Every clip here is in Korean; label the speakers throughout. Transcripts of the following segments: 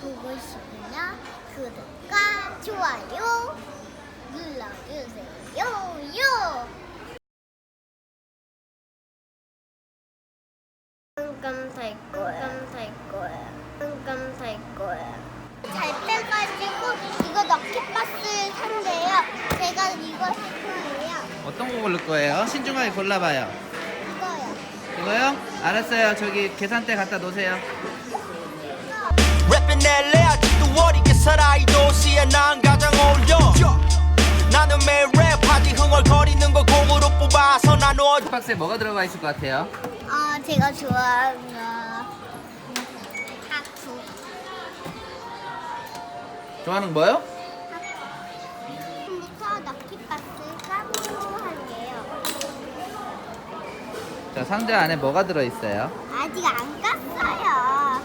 Speaker 1: 보고 싶으면 구독과 좋아요 눌러주세요. 요! 깜깜 탈 거야. 잘 빼가지고 이거 럭키박스 산대요. 제가 이거 할 거예요.
Speaker 2: 어떤 거 고를 거예요? 신중하게 골라봐요.
Speaker 1: 이거요.
Speaker 2: 이거요? 알았어요. 저기 계산대 갖다 놓으세요.
Speaker 3: 랩인 LA 아직도 어리게 살아 이 도시에 난 가장 어울려 나는 매일 랩하지 흥얼거리는 거 공으로 뽑아서 나눠
Speaker 2: 박스에 뭐가 들어가 있을 것 같아요?
Speaker 1: 제가 좋아하는 하프.
Speaker 2: 좋아하는 뭐요?
Speaker 1: 지금부터 럭키박스 까보고 할게요.
Speaker 2: 자, 상자 안에 뭐가 들어있어요?
Speaker 1: 아직 안 깠어요.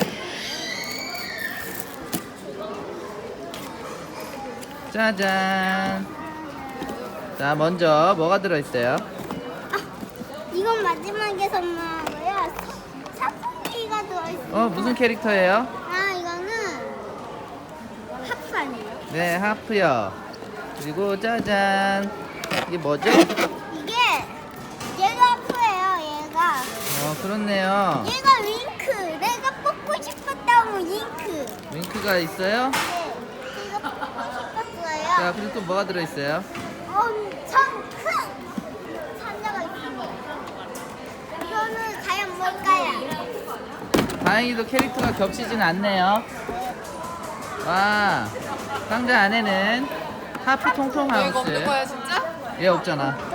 Speaker 2: 짜잔. 자, 먼저 뭐가 들어있어요?
Speaker 1: 이건 마지막에 선물하고요. 사포기가 들어있어요.
Speaker 2: 무슨 캐릭터예요?
Speaker 1: 이거는 하프 아니에요?
Speaker 2: 네, 하프요. 그리고 짜잔. 이게 뭐죠?
Speaker 1: 이게 얘가 하프예요. 얘가
Speaker 2: 그렇네요.
Speaker 1: 얘가 윙크. 내가 뽑고 싶었던 윙크.
Speaker 2: 윙크가 있어요?
Speaker 1: 네, 제가 뽑고 싶었어요.
Speaker 2: 자, 그리고 또 뭐가 들어있어요?
Speaker 1: 엄청 큰 상자가 있습니다. 이거는 과연 뭘까요?
Speaker 2: 다행히도 캐릭터가 겹치진 않네요. 와, 상자 안에는 하프 통통 하우스.
Speaker 4: 이거 없는 거야 진짜?
Speaker 2: 얘 없잖아.